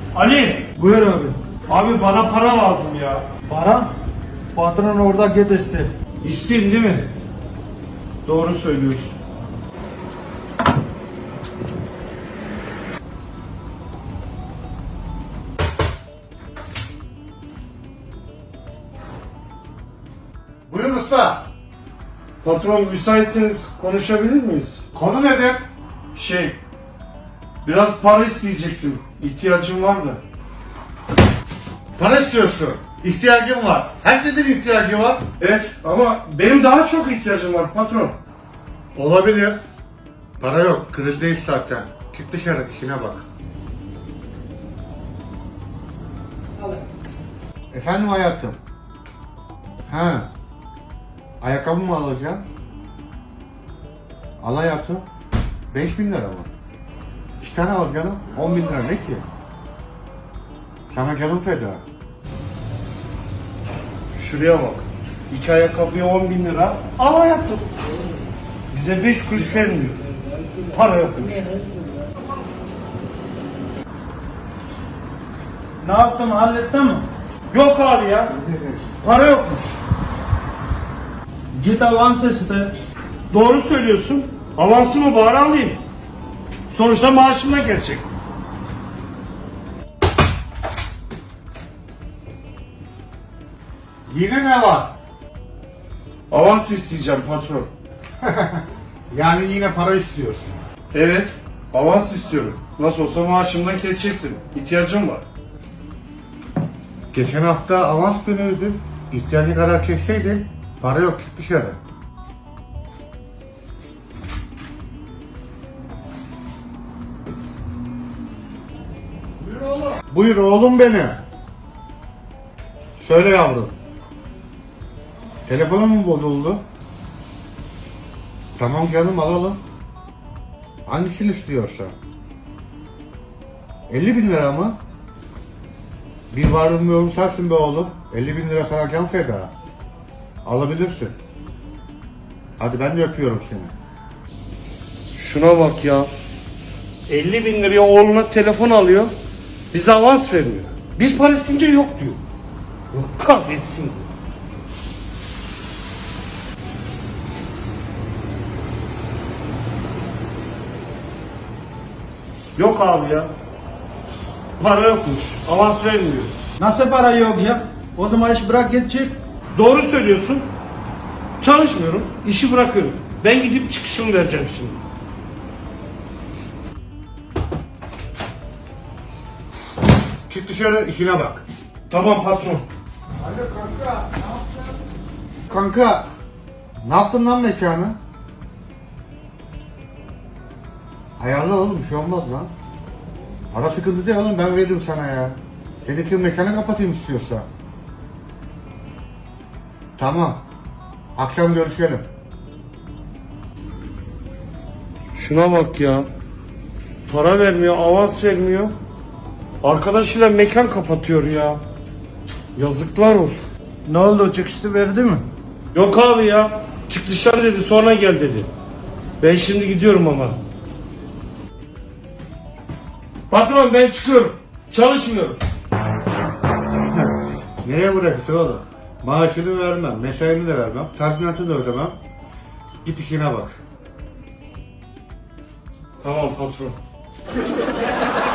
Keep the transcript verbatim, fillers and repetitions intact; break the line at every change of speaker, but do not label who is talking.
Ali,
Buyur abi.
abi bana para lazım ya.
Para? Patron orada git iste.
İsteyeyim değil mi? Doğru söylüyorsun.
Buyurun usta.
Patron müsaitseniz konuşabilir miyiz?
Konu nedir?
Şey, biraz para isteyecektim. İhtiyacım var da.
Para istiyorsun. İhtiyacım var. Herkesin ihtiyacı var.
Evet ama benim daha çok ihtiyacım var patron.
Olabilir. Para yok. Kriz değil zaten. Çık dışarı, işine bak. Efendim hayatım. Ha. Ayakkabı mı alacaksın? Al hayatım. Beş bin lira mı? İki tane al canım. On bin lira ne ki? Sana canım feda.
Şuraya bak. İki ayakkabıya on bin lira. Al hayatım. Bize beş kuruş vermiyor. Para yokmuş.
Ne yaptın, hallettin mi?
Yok abi ya. Para yokmuş.
Git avans iste.
Doğru söylüyorsun. Avansımı bari alayım. Sonuçta maaşımdan gelecek.
Yine ne var?
Avans isteyeceğim patron.
Yani yine para istiyorsun.
Evet. Avans istiyorum. Nasıl olsa maaşımdan keseceksin. İhtiyacım var.
Geçen hafta avans günüydü. İhtiyacı kadar çekseydin, para yok, çık dışarı. Buyur oğlum. Buyur oğlum beni. Söyle yavrum. Telefonun mu bozuldu? Tamam canım, alalım. Hangisini istiyorsa. elli bin lira mı? Bir varlığın bir yorum sensin be oğlum. elli bin lira sana can feda. Alabilirsin. Hadi ben de öpüyorum seni.
Şuna bak ya. elli bin liraya oğluna telefon alıyor. Bize avans vermiyor. Biz para isteyince yok diyor. Yok kahretsin. Yok abi ya. Para yokmuş. Avans vermiyor.
Nasıl para yok ya? O zaman iş bırak git çık.
Doğru söylüyorsun. Çalışmıyorum. İşi bırakıyorum. Ben gidip çıkışımı vereceğim şimdi.
Çık dışarı, işine bak.
Tamam patron.
Hadi kanka, ne yaptın? Kanka, ne yaptın lan mekanı? Ayarla oğlum, bir şey olmaz lan. Para sıkıntı değil oğlum, ben veririm sana ya. Seninki mekanı kapatayım istiyorsa. Tamam. Akşam görüşelim.
Şuna bak ya. Para vermiyor, avans vermiyor. Arkadaşıyla mekan kapatıyor ya. Yazıklar olsun.
Ne oldu, çıkıştı verdi mi?
Yok abi ya. Çık dışarı dedi, sonra gel dedi. Ben şimdi gidiyorum ama. Patron ben çıkıyorum. Çalışmıyorum.
Nereye bırakırsın oğlum? Maaşını vermem, mesaini de vermem, tazminatı da ödemem. Git işine bak.
Tamam patron.